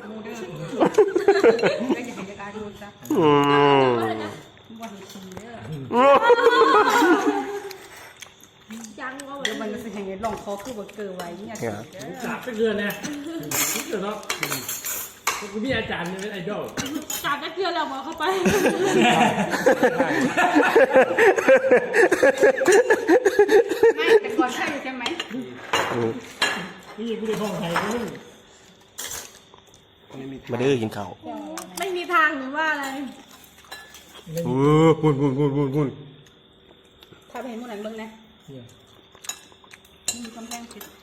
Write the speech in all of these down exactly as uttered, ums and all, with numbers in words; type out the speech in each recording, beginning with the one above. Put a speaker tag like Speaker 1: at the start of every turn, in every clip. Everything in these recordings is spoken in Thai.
Speaker 1: มูเด้อก็อย่าให้การดูซะ
Speaker 2: อืม
Speaker 1: ว่าเห็นชีเด้อ
Speaker 3: ยังว่า
Speaker 1: เดี๋ยวมันจะให้ลองคอคือบ่เกิดไว้เนี่ย
Speaker 4: จับไปเกินนะเกินเนาะกูมีอาจารย์เป็นไอดอล
Speaker 3: จับตะเกียบแล้วมาเข้าไป
Speaker 1: ไม่แต่ก่อนใช่ใช่ไหม
Speaker 4: นี่กูได้ห้องไทยมึง
Speaker 2: มาเด้อกินข้าว
Speaker 3: ไม่มีทางหรือว่าอะไร
Speaker 2: เออพุ่นพุ่นพุ่นพุ่นพุ่น
Speaker 1: ถ้าไปเห็นหมู่นั้นเบิ่งนะมีกำแพงปิด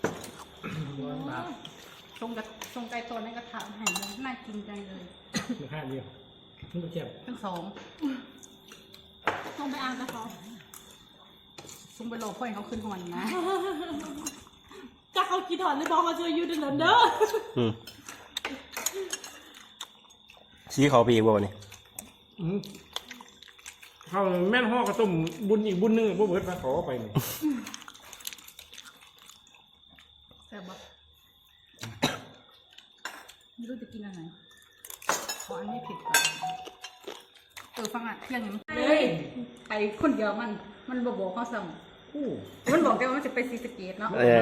Speaker 1: ทรงกับทรงไก่ตัวนั้นก็ถามหายเลยน่ากินจังเลย
Speaker 4: มาห้าเดียวมึงไปเก็บ
Speaker 1: ทั้งสอง
Speaker 3: ต้องไปอ่านกับเขา
Speaker 1: ทรงไปโลพ่อยเขาขึ้นหอนนะ
Speaker 3: จะเขากี่ถอนหรือบอกเขาช่วยยูดินเด้อ
Speaker 2: อืมชี้เขาไปอีกบ่วันนี้
Speaker 4: เขาแม่นห่อกระต้มบุญอีกบุญนึงบ่เบิดมาขอไปนี่
Speaker 1: แซ่บบ่ไม่รู้จะกินอะไรขออันนี้ผิดก่อนเออฟังอ่ะเที่ยงนี้เฮ้ยไปคนเดียวมัน มันบอกบอกเขาสั่งมันบอกแกว่ามันจะไปซีสเกตเนาะ
Speaker 2: เออ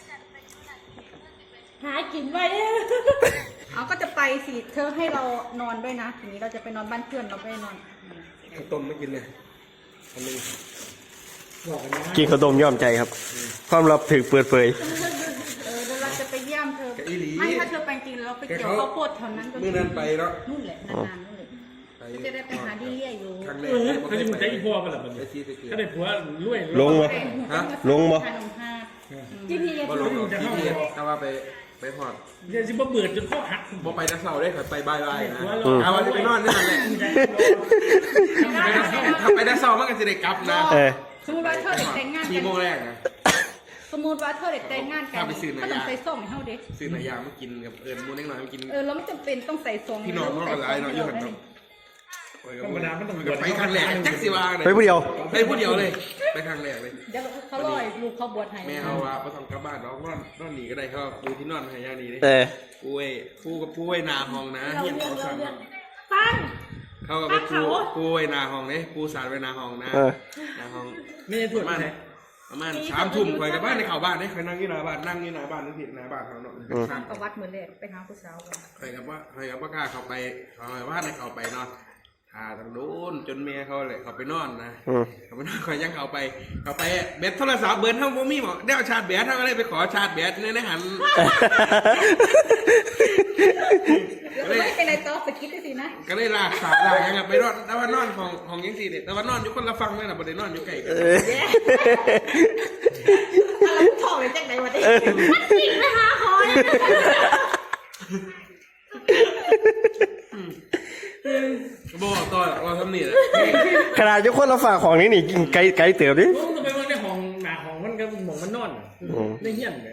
Speaker 3: หากินไว้
Speaker 1: เอาก็จะไปสิเธอให้เรานอนด้วยนะทีนี้เราจะไปนอนบ้านเพื่อนเราไม่ได้นอน
Speaker 5: ข้าวต้มไม่กินเลยอันนึง
Speaker 4: บอกกันนะ
Speaker 2: กินข้าวต้มย่อมใจครับ ความลับถึกเปิดเผย
Speaker 1: เออเดี๋ยวเราจะไปเยี่ยมเธอ
Speaker 5: แกอีหลี
Speaker 1: ไม่ถ้าเธอไปจริงเราไปเกี่ยวข้าวโพดแถวนั้นก็
Speaker 5: เมื่อนั้นไปแล้ว
Speaker 1: นู่นแหละนานๆนู่นเลย
Speaker 5: ไป
Speaker 1: จะได้ไปหาที่เลี่ยอยู่
Speaker 5: ครั้งแร
Speaker 4: เอก อเขาจะมึงใจอีพ่อป่ะล่ะมัน
Speaker 5: ไปซีสะเกต
Speaker 4: ก็ได้ผัวรวย
Speaker 2: ลงมา
Speaker 5: ฮะ
Speaker 2: ลงบ่
Speaker 1: ทานนมห้า
Speaker 3: จีพีเอส
Speaker 5: บ่ลงหรอกที่เกียแต่ว่าไปไปหอด
Speaker 4: เดี๋ยวสิบ่เบื่อจนข้อหัก
Speaker 5: บ่ไปนักเสาได้ค่ะไปบายบายนะ
Speaker 4: อืม
Speaker 5: เอาวันที่ไปนอนนี่นั่นแหละถ้าไปนักเสามันก็จะได้กลับนะ
Speaker 2: เออ
Speaker 1: สมมติว่าเธอเด็กแต่งงาน
Speaker 5: สี่
Speaker 1: กัน
Speaker 5: โมงแรกนะ
Speaker 1: สมมติว่าเธอเด็กแต่งงานกัน
Speaker 5: ถ้าไปซื้อหน่อย
Speaker 1: ก็ต้องใส่ส่งให้เขาเด็ก
Speaker 5: ซื้อหนายางมากินกับเอิญมูนเล็กน้อยมากิน
Speaker 1: เออแล้วไม่จำเป็นต้องใส่ซอง
Speaker 5: พี่น้องเขาก็หลายเนาะอยู่หันเนาะ
Speaker 4: ธรรมดามันต้อง
Speaker 5: ไปครั้งแรกแท็กซี่วางเลย
Speaker 2: ไปผู้เดียว
Speaker 5: ไปผู้เดียวเลยไปครั้งแรกเลย
Speaker 1: เดี๋ยวเขาลอยลูกเขาบวชให้
Speaker 5: แม่เอาว่าไปทำกลับบ้านน้องนอนนอนหนีก็ได้เขาปูที่นอนให้ย่างนี้เลย
Speaker 2: เออ
Speaker 5: ปูไอ้ปูกับปูไอ้นาห้องนะ
Speaker 3: เรา
Speaker 5: เฮียน
Speaker 3: เรื่อ
Speaker 5: เขา
Speaker 3: งเรา
Speaker 5: สั่ง
Speaker 3: เรื่องฟัง
Speaker 5: เขากับไปปูปูไอ้นาห้องเนี่ยปูสารไว้นาห้องนะ
Speaker 2: เออ
Speaker 5: นาห้อง
Speaker 4: นี่
Speaker 5: ป
Speaker 4: ถั่ว
Speaker 5: ระมาณ
Speaker 4: ไหน
Speaker 5: ประมาณสามทุ่มคอยกับบ้านในเขาบ้านเนี่ยคอยนั่งที่หน้าบ้านนั่งที่หน้าบ้านนั่งที่หน้าบ้านเขาเนาะข้าง
Speaker 1: ประวัติเหมือนเลยไปหาผู้สาวกัน
Speaker 5: คอยกับว่าคอยกับว่ากล้าเขาไปเขาไปบ้านในเขาไปนอนหาทางโน้นจนเมียเขาเลยเขาไปนอนนะ
Speaker 2: อืม
Speaker 5: เขาไปนอนคอยยังเขาไปเขาไปเบ็ดโทรศัพท์เบิร์นทั้งพวกมีหมอได้เอาชาร์จแบตทั้งอะไรไปขอชาร์จแบตในในหัน
Speaker 1: แล้วไม่เป็นไรต่อสกิปได้สินะ
Speaker 5: ก็เลยลากสาวลากยังไงไปนอนแต่ว่านอนของของยังสี่เด็ดแต่ว่านอนอยู่คนละฟังเลยนะประเด็นนอนอยู่ไกลกัน
Speaker 1: อะไรถอดเลยแจ็คไหนวะดิ
Speaker 3: มันจริงนะคะขอเนี่ย
Speaker 5: บอกต่อเราทำนี่แหละ
Speaker 2: ขนาดยกคนละฝากของนี้นี่กินไกลไกลเติบดิ
Speaker 4: มึงจะไปว่าในห้องหน้าห้องมันก็หมองมันนอนในเฮียนเลย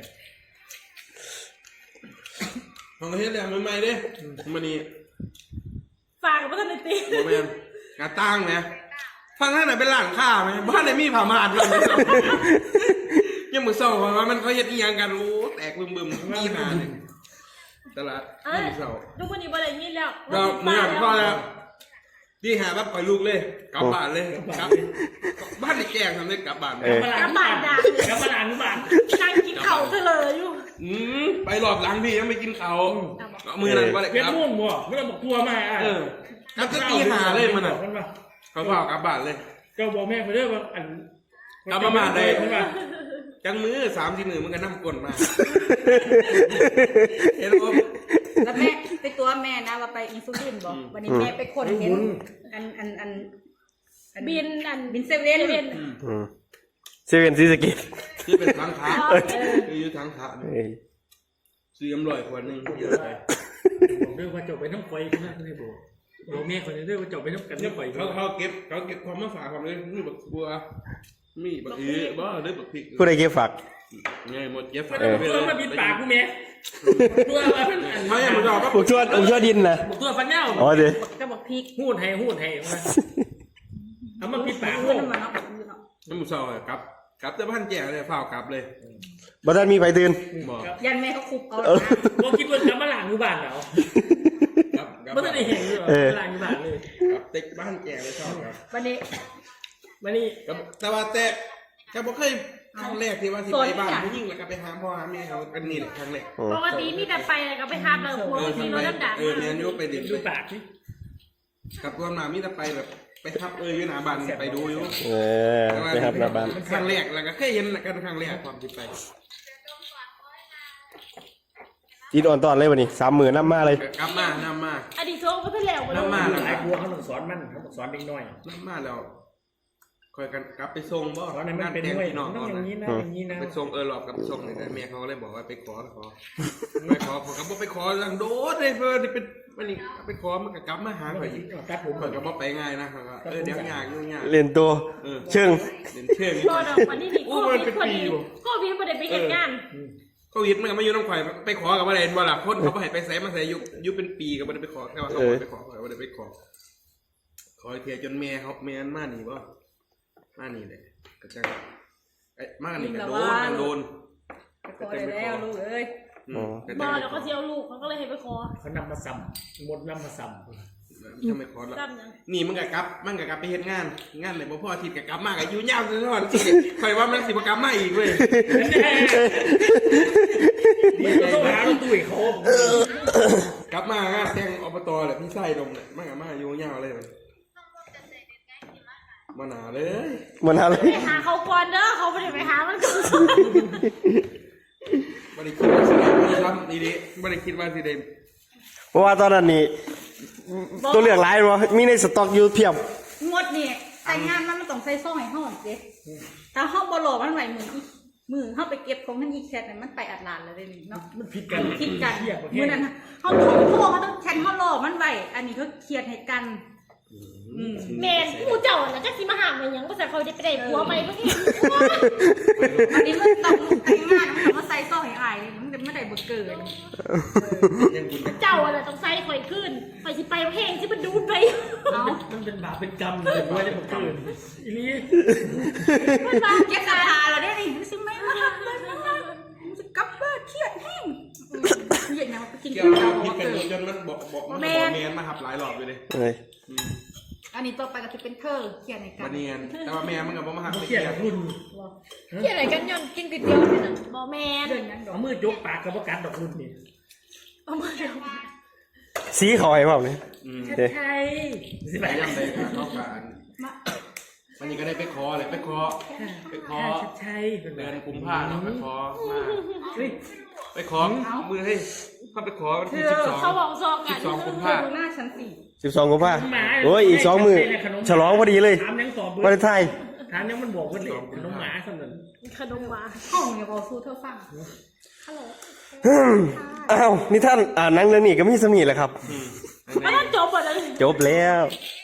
Speaker 5: ของประเทศแดงใหม่ๆเด้มันนี่
Speaker 3: ฝากกับพัฒนตี
Speaker 5: โมเมนกระตั้งไหมฟังท่านไหนเป็นหลังข้าไหมบ้านไหนมีผ่าม่านบ้างไหมยังมือเศร้าว่ามันเขาเย็ดอีหยังกันโอ้แตกบึมบึมมีหาเลยตลาด
Speaker 3: เอ้ย
Speaker 5: มือเศร้า
Speaker 3: ทุกคนนี้บ่ได้ยินแล้ว
Speaker 5: เราเมื่อพ่อแล้วที่หาแบบปล่อยลูกเลยกลับบ้านเลยกลับบ้านในแกงทำได้กลับบ้าน
Speaker 2: เออ
Speaker 3: กระบาดด่า
Speaker 4: กับมาหลานบ้าน
Speaker 3: นั่งกินเข่าเธอเลยอยู่
Speaker 5: อืมไปหลอบหลังพี่ยังไม่กินเขามือนั่นว่าอะไร
Speaker 4: เวียน
Speaker 5: ครับ
Speaker 4: ม่วงบ่ไม่ต้องบอกกลัวมาอ่ะ
Speaker 5: เออกับจะตีหาเลยมันอ่ะเขาบอกกลับบ้านเลย
Speaker 4: ก็บอกแม่ไปเรื่อยว่าอัน
Speaker 5: กลับมาบ้านได้
Speaker 4: ใช่ป่ะ
Speaker 5: จังมือสามสี่มือมันก็นั่งกลนมาเห็นไหม
Speaker 1: แล้วแม่ไปตัวแม่นะว่าไปอินซูลินบอกวันนี้แม่ไปคนเห็นอันอันอัน
Speaker 3: บินอัน
Speaker 1: บินเซเว่น
Speaker 2: อืมเซเว่นซีสะเกิด
Speaker 5: ที่เป็นทางขาคืออยู่ทางขา
Speaker 2: เอ้ย
Speaker 5: ซื้ออำร่อยขวดหนึ่งเยอะไป
Speaker 4: บอกด้วยว่าจบไปน้ำไฟนะไม่บอกบอกแม่คนนี้ด้วยว่าจบไปน้ำกัน
Speaker 5: เนี่ย
Speaker 4: น้ำไฟ
Speaker 5: เขาเขาเก็บเขาเก็บความมาฝากความเลยมีบักบัวมีบักอื้อบ่หรือบักพริก
Speaker 2: ผู้ใดเก็บฝาก
Speaker 5: ไงหมดเก็บ
Speaker 4: ไม่
Speaker 5: ฝาก
Speaker 4: ต้อง
Speaker 5: ไป
Speaker 4: ตัว
Speaker 5: เลย
Speaker 4: มาบินปากกูแม่ตัวมาเป็นอัน
Speaker 5: เขาอย่างมันบอกว่า
Speaker 2: ผมชวนผมชวนดินนะ
Speaker 4: ตัวฟันเน่า
Speaker 2: อ๋อเดี๋ยว
Speaker 1: ก็บอกพริก
Speaker 4: หูดให้หูดให้มาเอามาบินปาก
Speaker 1: เพื่อนมันเนาะแบบนี้เนาะ
Speaker 5: น้ำมันเศร้ากลับกลับแต่บ้านแก่เลยฝ้ากลับเลย
Speaker 2: บ่ทันมีไผตื่น
Speaker 5: บอก
Speaker 1: ยันแม่เขาคุบเอา
Speaker 2: เออ
Speaker 4: ว่าคิดว่าจะมาหลังอยู่บ้านเหรอ
Speaker 5: ครับครับ
Speaker 4: ไม่ได้เห็นเลยเหรอ
Speaker 2: เออ
Speaker 4: หลังอยู่บ้านเลย
Speaker 5: ครับเต็กบ้านแก่เลยชอบครับ
Speaker 1: วันนี้
Speaker 4: มานี่
Speaker 5: ครับแต่ว่าแต่แต่บ่เคยครั้งแรกที่ว่าที่ไปบ้านผู้หญิงแล้วก็ไปหาพ่อหาแม่เขาเป็นนี่แหละครั้งแรก
Speaker 3: ปกติมีแต่ไปแล้วก็ไปหาเราพวก
Speaker 5: เออ
Speaker 3: ที่
Speaker 5: ทำ
Speaker 3: ร
Speaker 5: ไม
Speaker 3: ถน้ำด่าง
Speaker 5: เออแมนยูไปเด็ด
Speaker 4: ดู
Speaker 5: เลย
Speaker 4: ปากนี่
Speaker 5: ครับตัวมามีแต่ไปแบบไปทับเอออยู่หน้าบ้านไปดูอยู่
Speaker 2: เออไปครับหน้าบ้าน
Speaker 5: ครั้งแรกแล้วก็เคยเห็นกันครั้งแรกความที่ไป
Speaker 2: อินอ่อนตอนเลยวันนี้สามหมื่นน้ำมาเลย
Speaker 5: กลับมานำมา
Speaker 3: อดีตโซ่ก็เพิ่งแล้วไป
Speaker 5: น้ำมา
Speaker 4: ห
Speaker 5: แล้ว
Speaker 4: ลายกลัวเขาต้องสอนมันเขาต้องสอนเด็กน้อย
Speaker 5: น้ำมาแล้วคอยกันกลับไปส่งบ่
Speaker 4: สอนให้มันเป็น
Speaker 5: แตง
Speaker 4: ด้วย
Speaker 5: พี่น้อง
Speaker 4: ต้อง
Speaker 5: ก่อน
Speaker 4: อย่างนี้
Speaker 5: นะ
Speaker 4: นะอย่างนี้นะ
Speaker 5: ไปส่งเออหลอบกับส่งเลยแต่แม่เขาเลยบอกว่าไปขอขอไปขอผมก็บอกไปขอลังโดดเลยเพื่อนนี่เป็นมันนี่ไปขอมันก็กลับมาหาข่อยอีก
Speaker 4: ตัดผม
Speaker 5: ข่อยก็บอกไปง่ายนะเขาก็เออเดี๋ยวยากยุ่งยาก
Speaker 2: เรียนตัว
Speaker 5: เออ
Speaker 2: เชิง
Speaker 5: เดินเชื่อง
Speaker 3: โดนออกมาที่นี่โควิดพอดีโควิดพอดีไปเหตุงาน
Speaker 5: โควิดมันก็ไม่อยู่น้ำข่อยไปขอกับว่าอะไรบ่ล่ะคนเขาไปไปใส่มาใส่ยุยุเป็นปีก็ไม่ได้ไปขอแค่ว่าเขาไปขอข่อยไม่ได้ไปขอขอเทียจนแม่เขาแม่นมาหนีบ่มาหนีเลยก็จังไอ้มาหนีก็โดนมันโดน
Speaker 1: ไปขอได้แล้วลูกเอ้ย
Speaker 5: อืมก็
Speaker 3: บ
Speaker 5: จั
Speaker 3: อง แล้วก็เจียวลูกเขาก็เลยให้ไปขอ
Speaker 4: เขานำมาซ้ำมดนำมาซ้ำ
Speaker 5: ยังไม่ขอแล้ว
Speaker 3: ซ้ำยัง
Speaker 5: นี่มันก็กลับมันก็กลับไปเฮ็ดงานงานเลยบ่พออาทิตย์ก็กลับมาก็อยู่ยาวซะก่อนสิข่อยว่ามันสิบ่กลับมาอีกเว้ย
Speaker 4: มันก็ต้องหาเราตุ้ยเขา
Speaker 5: กลับมางานแต่งอบตแหละพี่ไส้ดมเนี่ยมันก็มาอยู่ยาวเลยมันมาหนาเลย
Speaker 2: มันอะไร
Speaker 3: ไปหาเขาก่อนเด้อเขาไม่ได้ไปหามันก่อน
Speaker 5: บ่ได้คิดว่าสิได้ทำดีๆบ่ได้คิดว่าสิได้
Speaker 2: เพราะว่าตอนนั้นนี่ตัวเลือกหลายบ่มีในสต็อกอยู่เพียบ
Speaker 1: งวดนี่ใส่งานมันมันต้องใส่ซ่องให้ห้องเด้แต่ห้องบ่หล่อมันไหวมืออีมือเข้าไปเก็บของนั่นอีแคทเนี่ยมันไปอัดลานแล้วเด้นี่เนาะ
Speaker 4: มันผิดกัน
Speaker 1: คิดกัน
Speaker 4: เทียบประเท
Speaker 1: มือ
Speaker 4: ศ
Speaker 1: นั้นเขาโทรโทรเขาต้องแชทเขาหล่อมันไหวอันนี้เขาเครียดให้กันอืม
Speaker 3: แมนผู้เจ้าน่ะจักสิมาหามันยังภาษาเขาได้ไปได้ผัวไหมเมื่อกี้
Speaker 1: อันนี้มันต้องแต่งงานมันต้องมาใส่ซ่องให้อายมันจะไม่ได้บ่เกิน
Speaker 5: ยังบุญกัน
Speaker 3: เจ้าอะไรต้องใส่ข่อยขึ้นข่อยสิไปเพลงที่มันดูดไป
Speaker 1: เอา
Speaker 4: มันเป็นบาปเป็นกรรมเลยด้วยได้ผมคืนอีนี่
Speaker 1: มันมาเก็บสาราแล้วได้นี่มันสิไม่มาทำเลยมันมามันจะกลับบ้านเครียดแห้งเย็นนะมันไปกิน
Speaker 5: เกี่ย
Speaker 1: ข้าว ว
Speaker 5: กับ
Speaker 1: บ่
Speaker 5: คิดกัน
Speaker 1: เกิน
Speaker 5: จนมันบอกบอกมันบอกแมนมาหับหลายรอบอยู่เลย
Speaker 2: เอ้ย
Speaker 1: อันนี้ต่อไปก็จะเป็นเธอเครียดให้กั
Speaker 5: บั
Speaker 1: น
Speaker 5: นเนียนแต่ว่าแม่มันก็บ่มาหัก
Speaker 4: เขียนรุ่น
Speaker 3: ที่อะไรกันย้อนกินก๋วยเตี๋ยวนี่นะบ่แมน
Speaker 1: เดินนั้นดอก
Speaker 4: เอามือจกปากกับประกันดอกรุ่นนี่
Speaker 3: เอามาเดี๋ยว
Speaker 2: สีเขาให้เปล่าเนี่ย
Speaker 5: อืม
Speaker 2: เด้
Speaker 4: ใช่สิ
Speaker 5: ไป
Speaker 4: ไป
Speaker 5: ยังไงครับเข้ากันวันนี้ก็ได้ไปขอเลยไปขอไปขอ
Speaker 4: ใช่เป็น
Speaker 5: เดือนกุมภาพันธ์ไปขอมา
Speaker 4: เฮ้ย
Speaker 5: ไปขอมือให้เข้าไปขอวันที่สิบสอง
Speaker 3: เขาบอกซองกัน
Speaker 5: สิบสองกุม
Speaker 1: เธอ
Speaker 5: ภาพัน
Speaker 1: ดู
Speaker 5: ธ์
Speaker 1: หน้าฉันสิ
Speaker 2: สิบสองกุมภาโอ้ยอีกสองมือฉลองพอดีเลย
Speaker 4: ถามยังตอบ
Speaker 2: วันไทย
Speaker 4: ถามยังมันบอกว่าเด็กน้องหมาสำนัน
Speaker 3: ขนมหวาน
Speaker 1: ห้องอย่าบอกสู้เธอฟัง
Speaker 3: ฮัลโหล
Speaker 2: อ้าวนี่ท่านอ่านหนังเรื่องนี้ก็มีสมีแหละครับ
Speaker 5: อืม
Speaker 3: ไม่ต้องจบหมดเลย
Speaker 2: จบแล้ว
Speaker 3: เ